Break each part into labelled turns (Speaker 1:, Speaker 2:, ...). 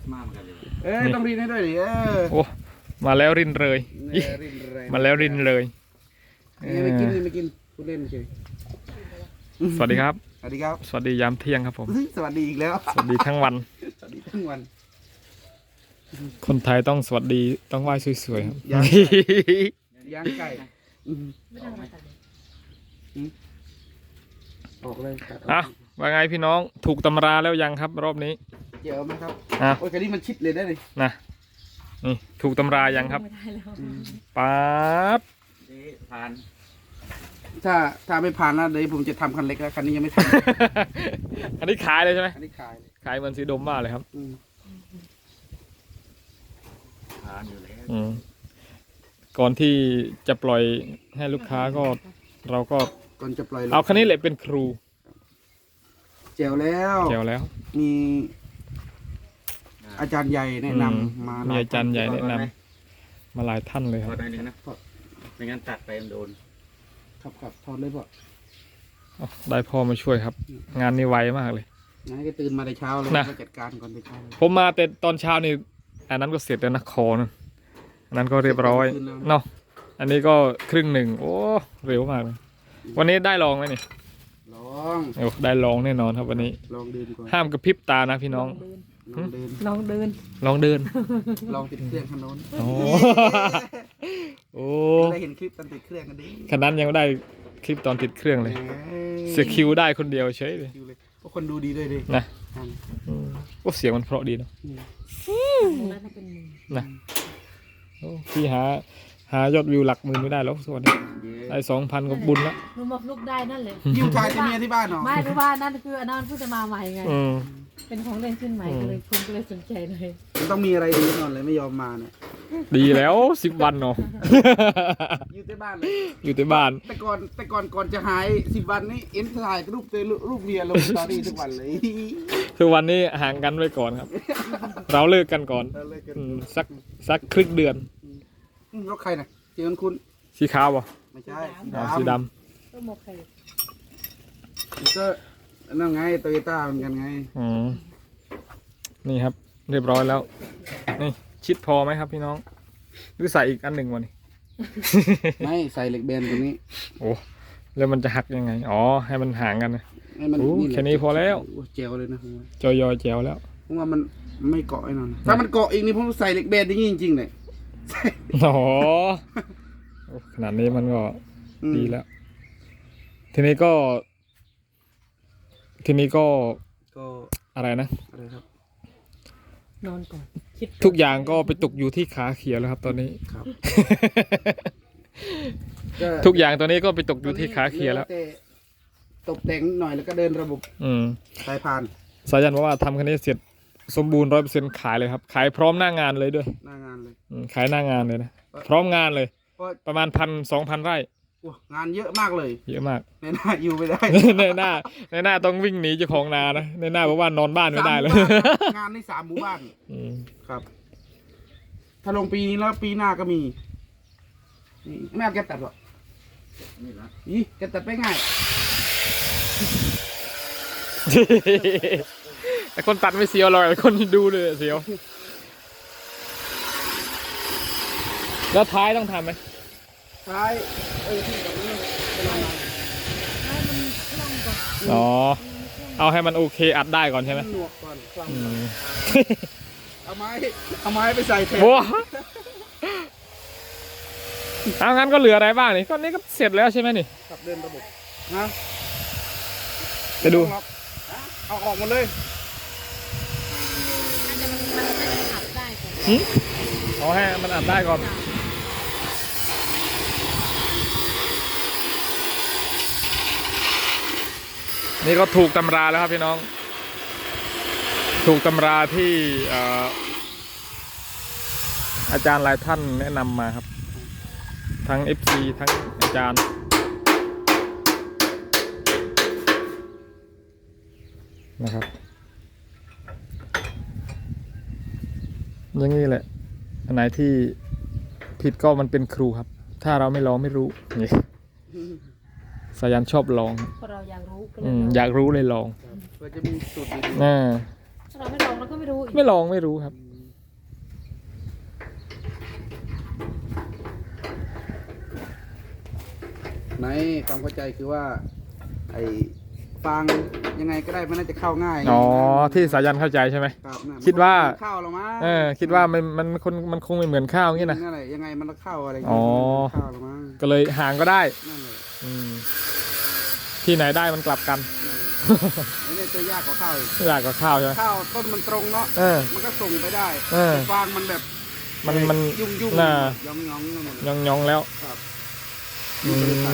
Speaker 1: มาเหมือนกันเลย
Speaker 2: ต้องรินให้ด้วยดิ
Speaker 3: โอ้มาแล้วรินเลยมาแล้วรินเลย
Speaker 2: ไม่กินพูดเล่นเฉย
Speaker 3: สวัสดีครับ
Speaker 2: สวัสดีครับ
Speaker 3: สวัสดียามเที่ยงครับผม
Speaker 2: สวัสดีอีกแล้ว
Speaker 3: สวัสดีทั้งวัน
Speaker 2: สวัสดีทั้งวัน
Speaker 3: คนไทยต้องสวัสดีต้องไหว้สวยๆครับ
Speaker 2: ย่างไก่ออกเลยครับ
Speaker 3: อ่ะว่าไงพี่น้องถูกตำราแล้วยังครับรอบนี้
Speaker 2: เจียวไหมครับ
Speaker 3: อ่ะ
Speaker 2: โอ้ยคันนี้มันชิดเลยได้เลย
Speaker 3: นะนี่ถูกตำรายังครับ
Speaker 4: ไม่ได้แล้ว
Speaker 3: ป๊าบ
Speaker 1: ผ่าน
Speaker 2: ถ้าไม่ผ่านนะเดี๋ยวผมจะทำคันเล็กแล้วคันนี้ยังไม่ท
Speaker 3: อันนี้ขายเลยใช่ไหม
Speaker 2: ำอันนี้ขายเลย
Speaker 3: ขายเหมือนสีดมมากเลยครับ
Speaker 1: ผ่านอยู่แล้ว
Speaker 3: ก่อนที่จะปล่อยให้ลูกค้าก็เราก็
Speaker 2: ก่อนจะปล่อย
Speaker 3: เอาคันนี้แหละเป็นครู
Speaker 2: เจียวแล้ว
Speaker 3: เกี่ยวแล้ว
Speaker 2: มีอาจารย์ใหญ่แนะนำมา
Speaker 3: มีอาจารย์ใหญ่แนะนำมาหลายท่านเลยค
Speaker 1: พ
Speaker 3: รั
Speaker 1: อบ ได้หนึ่งนะไม่งั้นตัดไปมันโดน
Speaker 2: ครับทอดเลยพ่อ
Speaker 3: อ๋อได้พ่อมาช่วยครับ งานนี้ไวมากเลย
Speaker 2: งั้นก็ตื่นมาแต่เช้าเลย
Speaker 3: นะ
Speaker 2: ก็จัดการก่อนแต่เช้าเลย
Speaker 3: ผมมาแต่ตอนเช้านี่อันนั้นก็เสร็จแล้วนะคอนั่นอันนั้นก็เรียบร้อยเนาะอันนี้ก็ครึ่งหนึ่งโอ้เร็วมากเลยวันนี้ได้ลองไหมนี่
Speaker 2: ลอง
Speaker 3: โอ้ได้ลองแน่นอนครับวันนี้
Speaker 2: ลองเดินก่อน
Speaker 3: ห้ามกระพริบตานะพี่น้อง
Speaker 2: ลองเดิน
Speaker 4: ลองเดิน
Speaker 3: ลองเดิน
Speaker 2: ลองติดเครื่องคันโน้น
Speaker 3: โอ้โอ้
Speaker 2: ได้เห็นคลิปตอนติดเครื่องกันดิ
Speaker 3: ขนาดยังไม่ได้คลิปตอนติดเครื่องเลยเสียคิวได้คนเดียวเฉยเลย
Speaker 2: คิวเลยเพราะคนดูดีด้วยดิ
Speaker 3: นะโอ้เสียงมันเพราะดีเนาะ
Speaker 4: แล้วมันเป็นมือ
Speaker 3: นะโอ้พี่หายอดวิวหลักหมื่นไม่ได้แล้วส่วนนี้ได้2,000ก็บุญละ
Speaker 4: หนูมาฟลุกได้นั่นเลย
Speaker 2: ยิวถ่ายที่เมียที่บ้านเหรอ
Speaker 4: ไม่รู้ว่านั่นคืออันนั้นเพิ่งจะมาใหม่ไง
Speaker 3: อืม
Speaker 4: เป็นของเล่นขึ้นใหม่ก็เลยคุณก็เลยสนใจเลย
Speaker 2: มันต้องมีอะไรดีแน่นอนเลยไม่ยอมมาเนี่ย
Speaker 3: ดีแล้ว10 วันเนาะ
Speaker 2: อยู่ที่บ้านเลย
Speaker 3: อยู่ที่บ้าน
Speaker 2: แต่ก่อนจะหาย10 วันนี้เอ็นถ่ายรูปตัวรูปเมียลงสตอรี่ทุกวันเลย
Speaker 3: คือวันนี้ห่างกันไว้ก่อนครับ เราเลิกกันก่อน
Speaker 2: เราเลยกัน
Speaker 3: สักครึ่งเดือน
Speaker 2: รถใครน่ะเจอคุณ
Speaker 3: สีขาวป่ะ
Speaker 2: ไม่ใช่
Speaker 3: อ๋อสีด
Speaker 4: ก็หมกไข่
Speaker 2: ก็นั่นไงโตโยต้าเหมือนกันไง
Speaker 3: ำนี่ครับ เรียบร้อยแล้ว นี่ชิดพอไหมครับพี่น้อง หรือใส่อีกอันหนึ่งวะนี่
Speaker 2: ไม่ใส่เหล็กแบนตรงนี้
Speaker 3: โอ้แล้วมันจะหักยังไงอ๋อให้มันห่างกันนะ
Speaker 2: ให้มัน
Speaker 3: โอ้
Speaker 2: แหละ
Speaker 3: แค่นี้พอแล้ว
Speaker 2: โเจลเลยนะผมว่า
Speaker 3: จอยอแจวแล้ว
Speaker 2: ผมว่ามันไม่เกาะไอ้นั่นนะถ้ามันเกาะอีกนี่ผมใส่เหล็กแบนอย่างนี้จริงๆเลย
Speaker 3: อ๋อโอ้ขนาดนี้มันก็ดีแล้ว ทีนี้ก็
Speaker 2: ก็
Speaker 3: อะไรนะ
Speaker 2: อะไรครับ
Speaker 4: นอนก่อนคิด
Speaker 3: ทุกอย่างก็ไปตกอยู่ที่ขาเขียวแล้วครับ ตอนนี้
Speaker 2: ครับ
Speaker 3: ทุกอย่างตอนนี้ก็ไปตกอยู่ที่ขาเขียวแล้ว
Speaker 2: ต่ตกแต่งหน่อยแล้วก็เดินระบบ
Speaker 3: อืม
Speaker 2: สายพาน
Speaker 3: สายันบอกว่าทำคันนี้เสร็จสมบูรณ์100%ขายเลยครับ ขายพร้อมหน้างานเลยด้วย
Speaker 2: หน้างานเลย
Speaker 3: ขายหน้างานเลยนะพร้อมงานเลย
Speaker 2: เพราะ
Speaker 3: ประมาณ1,000-2,000 ไร่
Speaker 2: โอ้งานเยอะมากเลย
Speaker 3: เยอะมาก
Speaker 2: ในหน้าอยู่ไม่ได้
Speaker 3: ในหน้าต้องวิ่งหนีเจ้าของนานะในหน้าบอกว่านอนบ้านไม่ได้เลย
Speaker 2: 3 หมู่บ้านครับงานใน3 หมู่บ้าน
Speaker 3: อืม
Speaker 2: ครับ ถ้าลงปีนี้แล้วปีหน้าก็มีนี่ไม่เอาแกตัดหรอก
Speaker 1: นี่ละ
Speaker 2: อีแกตัดไปง่าย
Speaker 3: แต่คนตัดไม่เสียวหรอกแต่คนดูเลยเสียว แล้วท้ายต้องทำไหม
Speaker 2: ท้ายที่ตรงนี้เป็นอะไร
Speaker 4: ให้มันคล่องก่อน
Speaker 3: อ๋อเอาให้มันโอเคอัดได้ก่อนใช่ไหม
Speaker 2: หนวกก่อนฟัง
Speaker 3: อืม
Speaker 2: เอาไม้ไปใส่แทน
Speaker 3: โว้เอางั้นก็เหลืออะไรบ้างนี่ก็นี่ก็เสร็จแล้วใช่ไหมนี่
Speaker 2: ขับเดินระบบนะ
Speaker 3: ไปดู
Speaker 2: เอาออกหมดเลย
Speaker 4: อาจจะมันขับได้ก่อน
Speaker 3: เอาให้มันอัดได้ก่อน นี่ก็ถูกตำราแล้วครับพี่น้อง ถูกตำราที่อาจารย์หลายท่านแนะนำมาครับ ทั้ง FC ทั้งอาจารย์นะครับอย่างนี้แหละอันไหนที่ผิดก็มันเป็นครูครับ ถ้าเราไม่ลองไม่รู้นี่สายันชอบลอง
Speaker 4: เพราะเราอยากรู้ก็เล
Speaker 3: อื
Speaker 4: ย
Speaker 3: มอยากรู้เลยลอง
Speaker 2: เพื่อจะมีสูตรดี
Speaker 3: น่า
Speaker 4: ถ้าเราไม่ลองเราก็ไม่รู้อีก
Speaker 3: ไม่ลองไม่รู้ครับ
Speaker 2: ในความเข้าใจคือว่า ไอ้ฟางยังไงก็ได้มันน่าจะเข้าง่าย
Speaker 3: อ๋อที่สายันเข้าใจใช่ไหม
Speaker 2: ครับน่ะ
Speaker 3: คิดว่า
Speaker 2: นเข้าหรอมั้ง
Speaker 3: คิดว่ามันคงไม่เหมือนข้าวงี้นะ
Speaker 2: นั่นแหละยังไงมันก็เข้าอะไร
Speaker 3: อ๋อ
Speaker 2: เข้าหรอมั้ง
Speaker 3: ก็เลยห่างก็ได้
Speaker 2: นั่นแหละ
Speaker 3: อืมที่ไหนได้มันกลับกัน
Speaker 2: นั่นแหละไอ้เนี่ยจะยากกว่าข้าวอีก
Speaker 3: อยากกับข้าวใช่ไหม
Speaker 2: ข้าวต้นมันตรงเนาะ
Speaker 3: เออ
Speaker 2: มันก็ส่งไปได้
Speaker 3: เออ
Speaker 2: แต่ฟางมันแบบ
Speaker 3: มัน
Speaker 2: ยุ่ง
Speaker 3: น่ะ
Speaker 2: ยองนั่นหมด
Speaker 3: ยองแล้ว
Speaker 2: ครับ
Speaker 3: อืม
Speaker 2: มันก็เลยตัน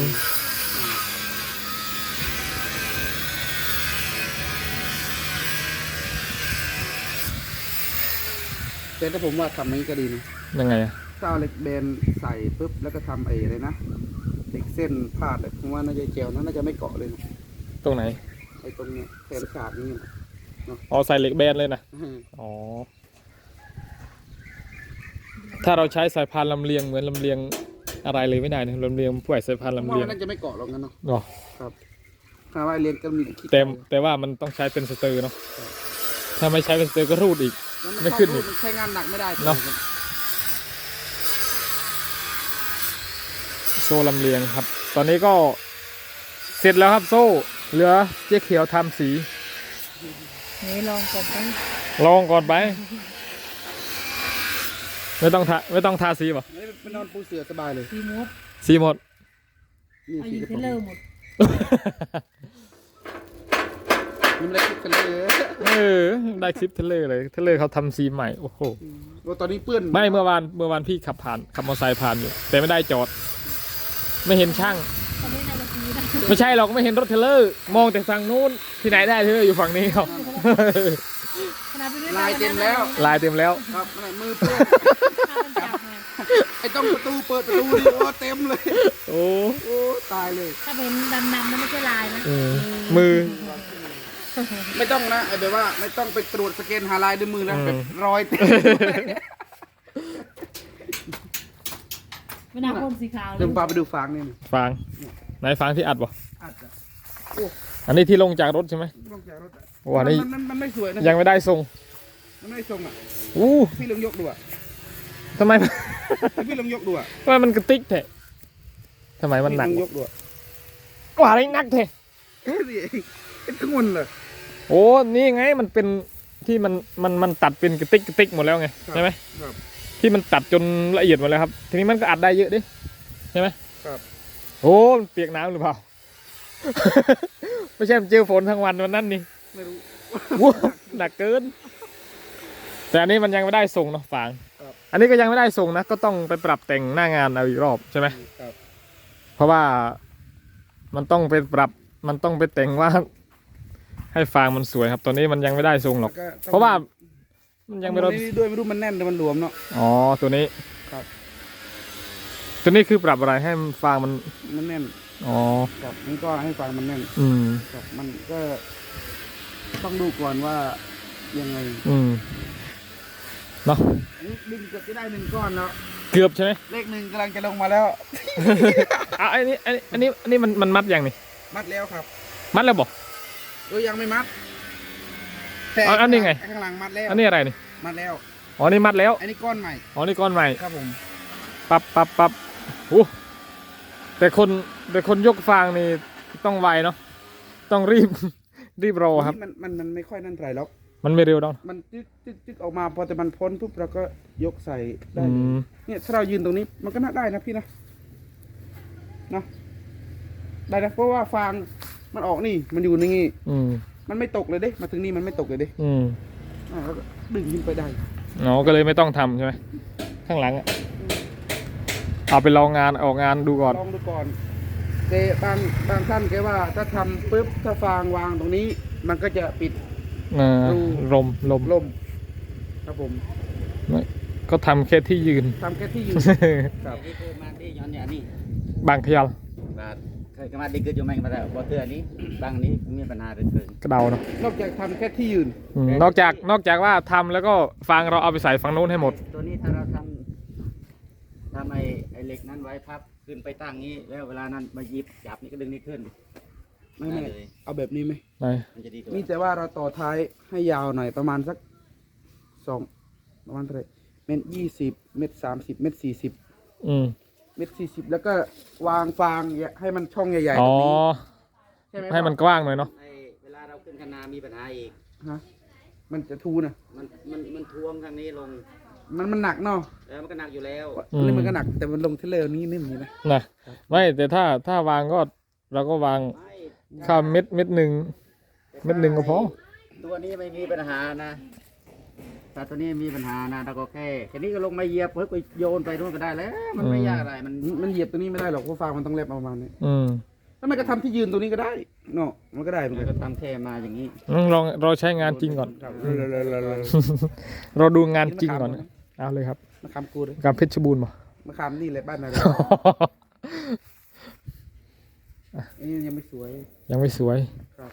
Speaker 2: แต่ถ้าผมว่าทำอย่างนี้ก็ดีนะ
Speaker 3: ยังไงอะ
Speaker 2: ถ้าเอาเหล็กแบนใส่ปุ๊บแล้วก็ทำไอ้อะไรนะเหล็กเส้นพาดเลยผมว่าน่าจะเจลน่าจะไม่เกาะเลยนะ
Speaker 3: ตรงไหน
Speaker 2: ไอ้ตรงเนี้ยแขนขาดนี่นะ
Speaker 3: อ๋อใส่เหล็กแบนเลยนะ อ๋อ ถ้าเราใช้สายพานลำเลียงเหมือนลำเลียงอะไรเลยไม่ได้นะลำเลียงผู้ใหญ่สายพาน
Speaker 2: ผม
Speaker 3: ลำ
Speaker 2: ว่า
Speaker 3: เลียง
Speaker 2: มันน่าจะไม่เกาะหรอกงั้นเนาะ
Speaker 3: อ๋อ
Speaker 2: ครับถ้าว่าเรียนก็มีขี้
Speaker 3: แต่ว่ามันต้องใช้เป็นสเตอร์เนาะ ถ้าไม่ใช้เป็นสเตอร์ก็รูดอีก
Speaker 2: แล้ว
Speaker 3: ไม่ขึ้นอีก
Speaker 2: มันใช้งานหนักไม่ได้
Speaker 3: เนาะ โซ่ลำเลียงครับ ตอนนี้ก็เสร็จแล้วครับโซ่ เหลือเจ๊เขียวทำสี
Speaker 4: นี่ลองก่อนไป
Speaker 3: ลองก่อนไป ไม่ต้องทาสีป่ะ
Speaker 2: ไม่นอนปูเสือสบายเลย
Speaker 4: ซีมูด
Speaker 3: สีหมด
Speaker 2: นี่
Speaker 4: เอา
Speaker 2: สี
Speaker 4: ยิง
Speaker 2: กระ
Speaker 4: เท
Speaker 2: ป๋อง
Speaker 4: เลอร์หมด
Speaker 2: นี่มันได้คิดกันเลย
Speaker 3: ได้คลิปเทเลอร์เลยเทเลอร์เขาทำสีใหม่ โอ้โห
Speaker 2: ว่าตอนนี้เปื้อน
Speaker 3: ไม่เมื่อวานพี่ขับมอเตอร์ไซค์ผ่านอยู่ แต่ไม่ได้จอด ไม่เห็นช่าง
Speaker 4: ตอนนี้นายจะซีได้
Speaker 3: ไม่ใช่หรอกไม่เห็นรถเทเลอร์ มองแต่ฝั่งนู้นที่ไหนได้เทเลอร์อยู่ฝั่งนี้ครับ
Speaker 4: ขนาดไปด้วย
Speaker 2: ลายเต็มแล้ว
Speaker 3: ลายเต็มแล้ว
Speaker 2: ครับนั่นแหละมือเปื้อน
Speaker 4: ข้าวมันจับไง
Speaker 2: ไอ้ต้องประตูเปิดประตูดิโอ้เต็มเลย
Speaker 3: โอ้
Speaker 2: โอ้ตายเลย
Speaker 4: ถ้าเป็นดำๆนั่นไม่ใช่ลายนะ
Speaker 3: มือ
Speaker 2: ไม่ต้องนะไอ้แบบว่าไม่ต้องไปตรวจสแกนหาลายด้วยมือนะ
Speaker 3: อืม
Speaker 2: แบบรอยเต็ม
Speaker 4: ไม่น่าพ่นสีขาวเล
Speaker 2: เดี๋ย
Speaker 4: ยว
Speaker 2: พาไปดูฟางนี่นะ
Speaker 3: ฟางไหนฟางที่อัดบ่
Speaker 2: อาจจะ
Speaker 3: อันนี้ที่ลงจากรถใช่ไหม
Speaker 2: ลงจากรถอะ
Speaker 3: โอ้อันนี้
Speaker 2: มันไม่สวยนะ
Speaker 3: ยังไม่ได้ทรง
Speaker 2: มันไม่ทรงอ่ะ
Speaker 3: อู้
Speaker 2: พี่ลองยกดูอ่ะ
Speaker 3: ทำไม
Speaker 2: พี่ลองยกดูอ่ะ
Speaker 3: ทำไมมันกระติกแท้ทำไมมันหนัก
Speaker 2: พี่ลองยกดูอ่ะ
Speaker 3: ว่าอะไรหนักแท้
Speaker 2: นี่เองเป็นขงวนเลย
Speaker 3: โอ้นี่ไงมันเป็นที่มันตัดเป็นกระติกหมดแล้วไงใช่ไหม
Speaker 2: ครับ
Speaker 3: ที่มันตัดจนละเอียดหมดแล้วครับ ทีนี้มันก็อัดได้เยอะดิใช่ไหม
Speaker 2: ครับ
Speaker 3: โอ้มันเปียกน้ำหรือเปล่า ไม่ใช่มันเจอฝนทั้งวันวันนั้นนี่
Speaker 2: ไม่รู้
Speaker 3: ว้าวหนักเกิน แต่อันนี้มันยังไม่ได้ส่งเนาะฟาง
Speaker 2: ครับ
Speaker 3: อันนี้ก็ยังไม่ได้ส่งนะ ก็ต้องไปปรับแต่งหน้างานเอาอีกรอบใช่ไหม
Speaker 2: ครับ
Speaker 3: เพราะว่ามันต้องไปปรับมันต้องไปแต่งว่า ให้ฟางมันสวยครับ ตอนนี้มันยังไม่ได้ส่งหรอก
Speaker 2: แล้วก็ต้อง
Speaker 3: เพราะว่ามันยังไม่ร
Speaker 2: ร
Speaker 3: อ
Speaker 2: ด้วยไม่รู้มันแน่นหรือมันหลวมเนาะ
Speaker 3: อ๋อตัวนี้
Speaker 2: ครับ
Speaker 3: ตัวนี้คือปรับอะไรให้ฟางมัน
Speaker 2: มันแน่น
Speaker 3: อ๋อ
Speaker 2: ครับมันก็ให้ฟางมันแน่น
Speaker 3: อืม
Speaker 2: ครับมันก็ต้องดูก่อนว่ายังไง
Speaker 3: อืมเนาะ
Speaker 2: ดินเกือบจะได้1ก้อนแล้ว
Speaker 3: เกือบใช่ไหม
Speaker 2: เลข1กำลังจะลงมาแล้ว
Speaker 3: อ่ะอันนี้มันมัดยังนี่
Speaker 2: มัดแล้วครับ
Speaker 3: มัดแล้วบอก
Speaker 2: ยังไม่มัดแต่
Speaker 3: อันนี้ไง
Speaker 2: ข้างหลังมัดแล้ว
Speaker 3: อันนี้อะไรนี่
Speaker 2: มัดแล้ว
Speaker 3: อ๋อนี่มัดแล้ว
Speaker 2: อันนี้ก้อนใหม่
Speaker 3: อ๋อนี่ก้อนใหม่
Speaker 2: ครับผม
Speaker 3: ปั๊บโอ้แต่คนยกฟางนี่ต้องไวเนาะต้องรีบ รีบรอครับ
Speaker 2: มันไม่ค่อยนั่นไรหรอก
Speaker 3: มันไม่เร็วดอก
Speaker 2: มันจึ๊กออกมาพอแต่มันพ้นปุ๊บเราก็ยกใส่ได้
Speaker 3: อื
Speaker 2: เลย
Speaker 3: ม
Speaker 2: เนี่ยถ้าเรายืนตรงนี้มันก็น่าได้นะพี่นะเนาะได้นะเพราะว่าฟางมันออกนี่มันอยู่นี่
Speaker 3: อืม
Speaker 2: มันไม่ตกเลยเด้มาถึงนี่มันไม่ตกเลยเด้
Speaker 3: อืม
Speaker 2: แล้วก็ดึงขึ้นไปได้
Speaker 3: อ๋อก็เลยไม่ต้องทำใช่ไหมข้างหลังอะเอาไปลองงานออกงานดูก่อน
Speaker 2: ลองดูก่อนแต่บางท่านแกว่าถ้าทำปุ๊บถ้าฟางวางตรงนี้ มันก็จะปิด ดู
Speaker 3: ลม
Speaker 2: ลมครับผม
Speaker 3: ก็ทำแค่ที่ยืน
Speaker 2: ทำแค่ที่อยู่ ครับ
Speaker 1: นี่คือมาที่ย้อนอย่างนี้
Speaker 3: บางขยัล
Speaker 1: บาดเคยมาดีเกิดอยู่แม่งมาแล้วบ่เตือนนี้บางนี้มีปัญหาเรื่องเกิน
Speaker 3: กระเดาเนาะ
Speaker 2: นอกจากทำแค่ที่ยืน
Speaker 3: อืมนอกจากว่าทำแล้วก็ฟางเราเอาไปใส่ฝั่งนู้นให้หมด
Speaker 1: ตัวนี้ถ้าเราทำไอ้เหล็กนั้นไว้พับขึ้นไปตั้งนี้แล้วเวลานั้นมาหยิบจับนี่ก็ดึงนี่ขึ้น
Speaker 2: ไม่
Speaker 1: ได้
Speaker 2: ไม่
Speaker 1: เลย
Speaker 2: เอาแบบนี้ไหม
Speaker 3: ไหน
Speaker 1: มันจะดีกว่า
Speaker 2: นี่แต่ว่าเราต่อท้ายให้ยาวหน่อยประมาณสักประมาณเท่าไหร่เมตร 20 เมตร 30 เมตร 40
Speaker 3: อืม
Speaker 2: เมตร 40 แล้วก็วางฟางให้มันช่องใหญ่ๆต
Speaker 3: อ๋
Speaker 2: ร
Speaker 3: อ
Speaker 2: งนี้ใช่ไหม
Speaker 3: ให้มันกว้างหน่อยเนาะ
Speaker 1: ไอ้เวลาเราขึ้นคณามีปัญหาอีก
Speaker 2: ฮะมันจะทูนะ
Speaker 1: มันท่วมทางนี้ลง
Speaker 2: มันหนักเนาะ
Speaker 1: แล้วมันก็หนักอยู่แล้ว
Speaker 3: อืม
Speaker 2: นี่มันก็หนักแต่มันลงเทเลอร์นี้นิ่มอย่างนี้นะ
Speaker 3: นะไม่แต่ถ้าวางก็เราก็วาง
Speaker 1: ไม่
Speaker 3: ข้ามเม็ดหนึ่ง เม็ดหนึ่งก็พอ
Speaker 1: ตัวนี้ไม่มีปัญหานะถ้าตัวนี้มีปัญหานะเราก็แค่นี้ก็ลงมาเหยียบเพิ่งไปโยนไปนู่นก็ได้แล้ว มันไม่ยากอะไรมัน
Speaker 2: เหยียบตัวนี้ไม่ได้หรอกเพราะฟางมันต้องแลบประมาณนี้
Speaker 3: อืม
Speaker 2: แล้วมันก็ทำที่ยืนตัวนี้ก็ได้เนาะมันก็ได้เหมือน
Speaker 1: มัน
Speaker 2: กั
Speaker 1: ก็
Speaker 2: น
Speaker 1: ทำแค่มาอย่างนี้
Speaker 3: ลองเราใช้งานจริงก่อน
Speaker 2: ครับ
Speaker 3: เราดูงานจริงก่อนนะเอาเลยครับ
Speaker 2: มะขามกูเลย
Speaker 3: กับเพชรบูรณ์บ่
Speaker 2: มะขามนี่แหละบ้านอะไรอันนี้ยังไม่สวย
Speaker 3: ยังไม่สวย
Speaker 2: ครับ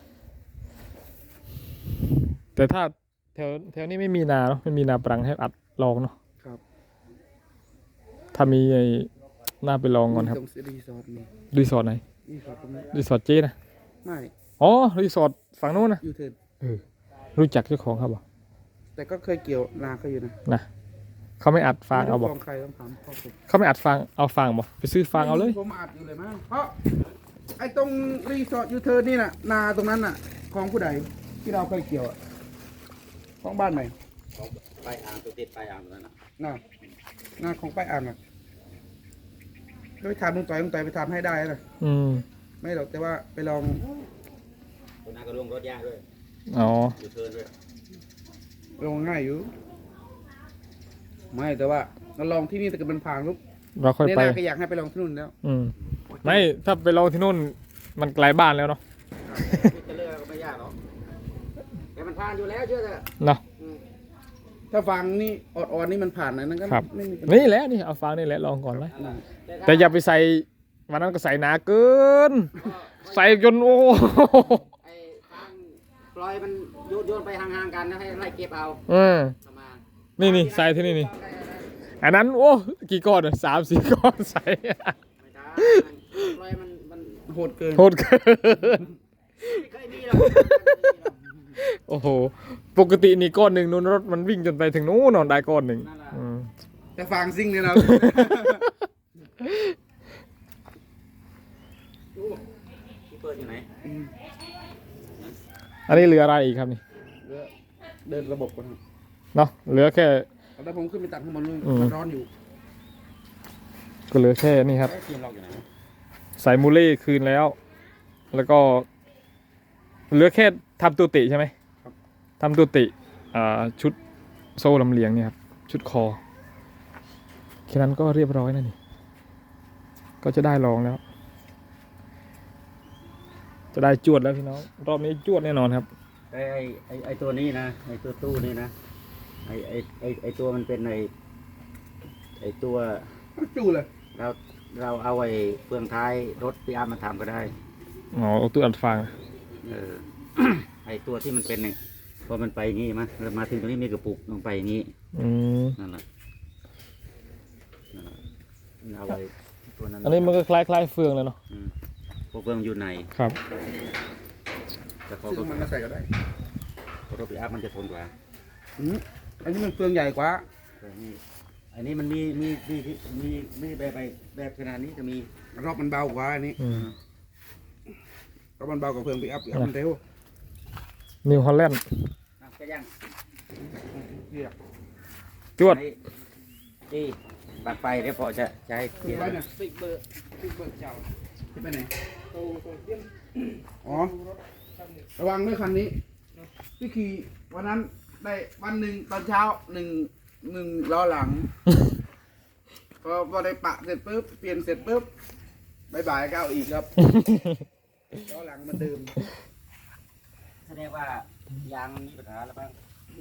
Speaker 3: แต่ถ้าแถวนี้ไม่มีนาเนาะไม่มีนาปรังให้อัดลองเนาะ
Speaker 2: ครับ
Speaker 3: ถ้ามีไอ้น่าไปลองก่อนครับ
Speaker 2: ตรงรีสอร์ทนี่
Speaker 3: รีสอร์ทไหน
Speaker 2: รีสอร์ทตรงนี้
Speaker 3: รีสอร์ทเจ๊นะ
Speaker 2: ไม่
Speaker 3: อ๋อรีสอร์ทฝั่งนู้นนะ
Speaker 2: ยูเทิร์น
Speaker 3: เออรู้จักเจ้าของครับบ่
Speaker 2: แต่ก็เคยเกี่ยวนาเขาอยู่นะ
Speaker 3: นะเขาไม่อัดฟางเอาบ่
Speaker 2: ของใครต้องถามพ่อผม
Speaker 3: เขาไม่อัดฟางเอาฟางบ่ไปซื้อฟางเอาเลย
Speaker 2: ผมอัดอยู่เลยมั้งเพราะไอ้ตรงรีสอร์ทยูเทิร์นนี่น่ะนาตรงนั้นน่ะของผู้ใดที่เราเคยเกี่ยวอะของบ้านไหน
Speaker 1: ของไปอ่างตัวติดไปอ่างตรงนั้นนะ
Speaker 2: น่ะนาของป้ายอ่างอ่ะก็ไปถามลุงต่อยไปทำให้ได้นะ
Speaker 3: อืม
Speaker 2: ไม่หรอกแต่ว่าไปลอง
Speaker 1: ตัวนั้นก็ลงรถยากด้วย
Speaker 3: อ๋อ
Speaker 1: อยู่เทิร์นด้วย
Speaker 2: ลองง่ายอยู่ ไม่แต่ว่าเราลองที่นี่แต่เกิดมันผ่านปุ๊บ
Speaker 3: เราค่อย
Speaker 2: เนี่ย
Speaker 3: ไป
Speaker 2: นาก็อยากให้ไปลองที่นู่นแล้ว
Speaker 3: อืมไม่ถ้าไปลองที่นู่นมันไกลบ้านแล้วเนาะ
Speaker 1: จะเลือกก็ไม่ยากหรอกแต่มันผ่านอยู่แล้วเชื่อเถอะ
Speaker 3: เนาะ
Speaker 1: อืม
Speaker 2: ถ้าฟังนี่อ่อนๆนี่มันผ่านนะนั่นก็
Speaker 3: ครับ
Speaker 2: ไม่มีปัญหา
Speaker 3: นี่แหละนี่เอาฟางนี่แหละลองก่อนเลย
Speaker 2: น่ะ
Speaker 3: แต่อย่าไปใส่วันนั้นก็ใส่หนาเกิน ใส่จนโอ้
Speaker 1: ไอ้ทางปล่อยมันโยนไปห่างๆกันนะให้ไล่เก็บเอา
Speaker 3: เออ
Speaker 1: เข้ามา
Speaker 3: นี่ใส่ที่นี่อันนั้นโอ้กี่ก้อนอะ3-4 ก้อนใส่
Speaker 1: ไม่ได้ปล่อยมัน
Speaker 2: โหดเกิน
Speaker 3: โหดเกิน
Speaker 1: ไม่เคยมีหรอก
Speaker 3: โอ้โหปกตินี่ก้อนหนึ่งนู้นรถมันวิ่งจนไปถึงนู้นนอนได้ก้อนหนึ่งอืม
Speaker 2: แต่ฟังซิ่งเนี่ยนะ
Speaker 1: ที่เปิดอยู่ไหน
Speaker 2: อืม
Speaker 3: อันนี้เหลืออะไรอีกครับนี่
Speaker 2: เดินระบบก่อนครับ
Speaker 3: เนาะเหลือแค่
Speaker 2: แล้วผมขึ้นไปตัดข้างบนนู่น
Speaker 3: อืม
Speaker 2: มันร้อนอยู่
Speaker 3: ก็เหลือแค่นี่ครับ
Speaker 1: ไอ้ทีมเราอยู่ไหน
Speaker 3: ใส่มูเล่คืนแล้ว แล้วก็เหลือแค่ทำตัวติใช่ไหมทำตัวติชุดโซ่ลำเลียงเนี่ยครับชุดคอแค่นั้นก็เรียบร้อยนะนี่ก็จะได้ลองแล้ว จะได้จวดแล้วพี่น้องรอบนี้จวดแน่นอนครับ
Speaker 1: ไอ้ตัวนี้นะไอ้ตัวตู้นี่นะไอ้ตัวมันเป็นไอ้ตัว
Speaker 2: จู่เลย
Speaker 1: เราเอาไอ้เฟืองท้ายรถปีอาร์มาทำก็ได้
Speaker 3: อ๋อเอาตู้อัดฟาง
Speaker 1: เออ ไอ้ตัวที่มันเป็นเนี่ยพอมันไปอย่างงี้มั้ยเรามาถึงตรงนี้มีกระปุกลงไปอย่างงี้
Speaker 3: อืม
Speaker 1: นั่นแหละเอาไว้ตัวนั้น
Speaker 3: อันนี้มันก็คล้ายๆเฟืองเลยเนาะ
Speaker 1: อืมพวกเฟืองอยู่ใน
Speaker 3: ครับ
Speaker 1: แต่พอ
Speaker 2: ซึ่งมันก็ใส่ก็ได้
Speaker 1: รถปีอาร์มันจะทนกว่า
Speaker 2: อืมอันนี้มันเฟืองใหญ่กว่า
Speaker 1: แต่นี่อันนี้มันมีแบบขนาดนี้จะมี
Speaker 2: รอบมันเบากว่าอันนี้
Speaker 3: อืม
Speaker 2: รอบมันเบากว่าเฟืองปีอัพมันเร็ว
Speaker 3: นิวฮอลแลนด์
Speaker 1: น้ำกระยัง
Speaker 2: เนี่ย
Speaker 3: จวด
Speaker 1: ที่ปักไปเดี๋ยวพอจะใช้
Speaker 2: คือไว้เนี่ยติ๊กเบอร์เจ้าที่ไปไหนอ๋อระวังด้วยคันนี้ที่ขี่วันนั้นได้วันหนึ่งตอนเช้าหนึ่งล้อหลัง พอได้ปะเสร็จปุ๊บเปลี่ยนเสร็จปุ๊บบ่ายๆก็เอาอีกครับ ล้อหลังมันเดิม
Speaker 1: แสดงว่ายางมันมีปัญหาแล้วบ้าง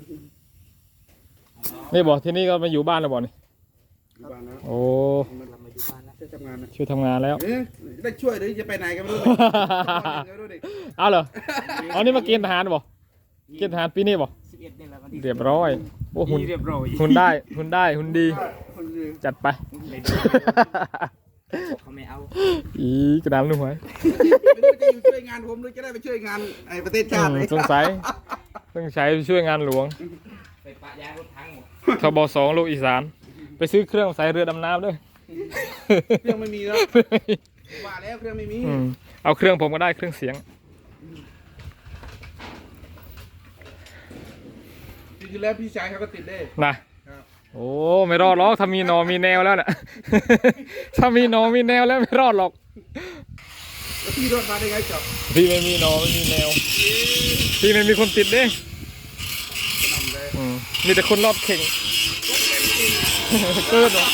Speaker 3: นี่บอกที่นี่ก็มาอยู่บ้านแล้วบอกนี่
Speaker 2: อยู่บ้านนะ
Speaker 3: โอ้
Speaker 2: มันทำมาอยู่บ้านนะช่วยทำงานนะ
Speaker 3: ช่วยทำงานแล้ว
Speaker 2: เอ๊ะได้ช่วยหรือจะไปไหนกันไม่รู้ ไม่รู้ดิ
Speaker 3: เอาเหรอเอานี่มาเกณฑ์ทหารบอกเกณฑ์ทหารปีนี้บอก
Speaker 1: 11นี่แหละวันที่
Speaker 3: เรียบร้อยโอ้หุ่น
Speaker 1: เรียบร้อย
Speaker 3: หุ่นได้หุ่นดี
Speaker 2: คนดี
Speaker 3: จัดไป
Speaker 1: เขาไม่เอา
Speaker 3: อีกระดามลุงหวย
Speaker 2: ไม่รู้จะอยู่ช่วยงานผมหรือจะได้ไปช่วยงานไอ้ประเทศชาติเลย
Speaker 3: สงสัยต้องใช้ช่วยงานหลวง
Speaker 1: ไปปะยางรถทั้งหมด
Speaker 3: ทบ2ลูกอีสาน ไปซื้อเครื่องใส่เรือดำน้ำด้วย
Speaker 2: เครื่องไม่มีแล้วว่าแล้วเครื่องไม่มี
Speaker 3: เอาเครื่องผมก็ได้เครื่องเสียง
Speaker 2: จริงๆแล้วพี่ชายเขาก็ติดได้
Speaker 3: นะครับ โอ้ไม่รอดหรอกถ้ามีหนอมีแนวแล้วน่ะ ถ้ามีหนอมีแนวแล้วไม่รอดหรอก
Speaker 2: แล้วพี่รอดมาได้ไงจ๊อบ
Speaker 3: พี่ไม่มีหนอไม่มีแนว พี่ไม่มีคนติดเด้
Speaker 2: นำเลย
Speaker 3: มีแต่คนรอบเข่งเกินเหรอ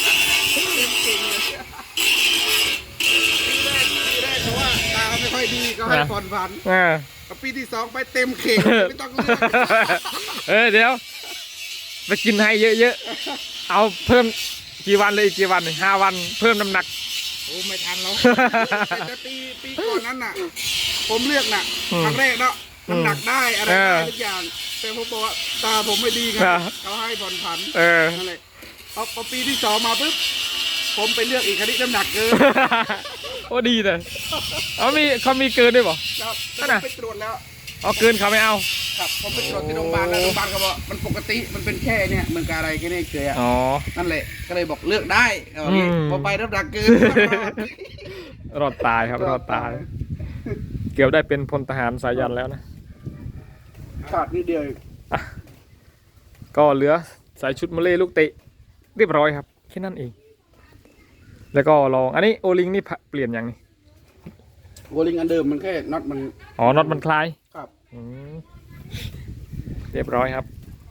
Speaker 2: ปีแรกเพราะว่าตาเขาไม่ค่อยดีก็ให้ผ่อนผัน
Speaker 3: อ่า
Speaker 2: ปีที่ 2ไปเต็มเข่งไม่ต้องเลือก
Speaker 3: เดี๋ยวไปกินให้เยอะๆ เอาเพิ่มกี่วันเลยอีกกี่วัน5 วันเพิ่มน้ำหนัก
Speaker 2: โอ้ไม่ทันแล้วแต่ปีก่อนนั้นน่ะ ผมเลือกน่ะ
Speaker 3: อืม
Speaker 2: ครั้งแรกเนาะน้ำหนักได้อะไร
Speaker 3: เอ
Speaker 2: ได้
Speaker 3: อ
Speaker 2: ทุกอย่าง แต่ผมบอกว่าตาผมไม่ดีไง
Speaker 3: ครับ
Speaker 2: เขาให้ผ่อนผัน
Speaker 3: เออ
Speaker 2: นั่นแหละพอปีที่ 2มาปุ๊บผมไปเลือกอีกครั้นี้น้ำหนักเกิน
Speaker 3: โอ้ดีเลยเขามีเกินด้วยเปล่า
Speaker 2: ครับ
Speaker 3: นั่นน่ะ
Speaker 2: ไปตรวจแล้ว
Speaker 3: เอาเกินเขาไม่เอา
Speaker 2: ครับผมไปตรวจที่โรงพยาบาลแล้วโรงพยาบาลเขาบอกมันปกติมันเป็นแค่เนี่ยมันกบอะไรแค่นี้เฉยๆอะ
Speaker 3: อ๋อ
Speaker 2: นั่นแหละก็เลยบอกเลือกได้เอาอย่างงี้
Speaker 3: อืม
Speaker 2: พอไปน้ำหนักเกิน
Speaker 3: รอดตายครับรอดตาย เกือบได้เป็นพลทหารสายันแล้วนะ
Speaker 2: ขาดนิดเดียวเอง
Speaker 3: ก็เหลือใส่ชุดมะเล่ลูกเตะเรียบร้อยครับแค่นั้นเอง แล้วก็ลองอันนี้โอลิงนี่เปลี่ยนอย่างนี้
Speaker 2: โวลิงอันเดิมมันแค่น็อตมัน
Speaker 3: อ๋อน็อตมันคลาย
Speaker 2: ครับ
Speaker 3: อืมเรียบร้อยครับ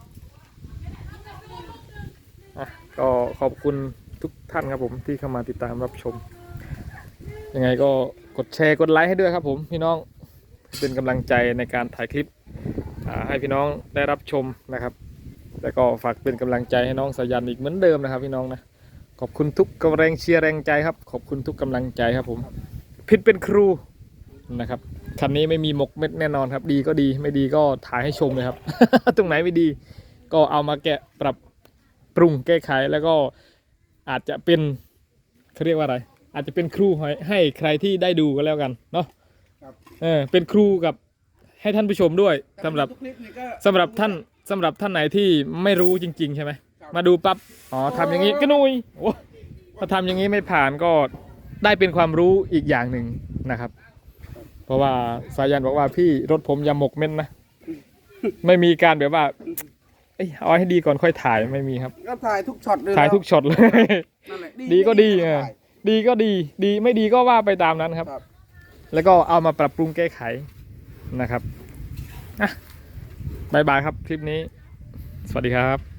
Speaker 3: อ่ะก็ขอบคุณทุกท่านครับผมที่เข้ามาติดตามรับชม ยังไงก็กดแชร์กดไลค์ให้ด้วยครับผมพี่น้องเป็นกำลังใจในการถ่ายคลิปให้พี่น้องได้รับชมนะครับ แล้วก็ฝากเป็นกำลังใจให้น้องสายันอีกเหมือนเดิมนะครับพี่น้องนะขอบคุณทุกกำลังเชียร์แรงใจครับขอบคุณทุกกำลังใจครับผมพิษเป็นครูนะครับคันนี้ไม่มีหมกเม็ดแน่นอนครับดีก็ดีไม่ดีก็ถ่ายให้ชมเลยครับ ตรงไหนไม่ดีก็เอามาแกะปรับปรุงแก้ไขแล้วก็อาจจะเป็นเขาเรียกว่าอะไรอาจจะเป็นครูให้ใครที่ได้ดูก็แล้วกันเนาะ
Speaker 2: ครับ
Speaker 3: เป็นครูกับให้ท่านผู้ชมด้วยสำหรับ
Speaker 2: ทุกคลิปนี่ก็
Speaker 3: สำหรับท่านไหนที่ไม่รู้จริง ๆ ใช่ไหมมาดูปั๊บอ๋อทำอย่างนี้ก็นุยโอ้ถ้าทำอย่างนี้ไม่ผ่านก็ได้เป็นความรู้อีกอย่างหนึ่งนะครับ เพราะว่าสายันบอกว่าพี่รถผมอย่าหมกเม็ดนะ ไม่มีการแบบว่าเอ้ยเอาให้ดีก่อนค่อยถ่ายไม่มีครับ
Speaker 2: ก็ถ่ายทุกช็อตเลย
Speaker 3: ถ่ายทุกช็อตเลย
Speaker 2: นั่นแหละ
Speaker 3: ดีก็ดี
Speaker 2: ถ่าย
Speaker 3: ดีก็ดีไม่ดีก็ว่าไปตามนั้นครับ
Speaker 2: ครับ
Speaker 3: แล้วก็เอามาปรับปรุงแก้ไขนะครับอ่ะบายบายครับคลิปนี้ สวัสดีครับ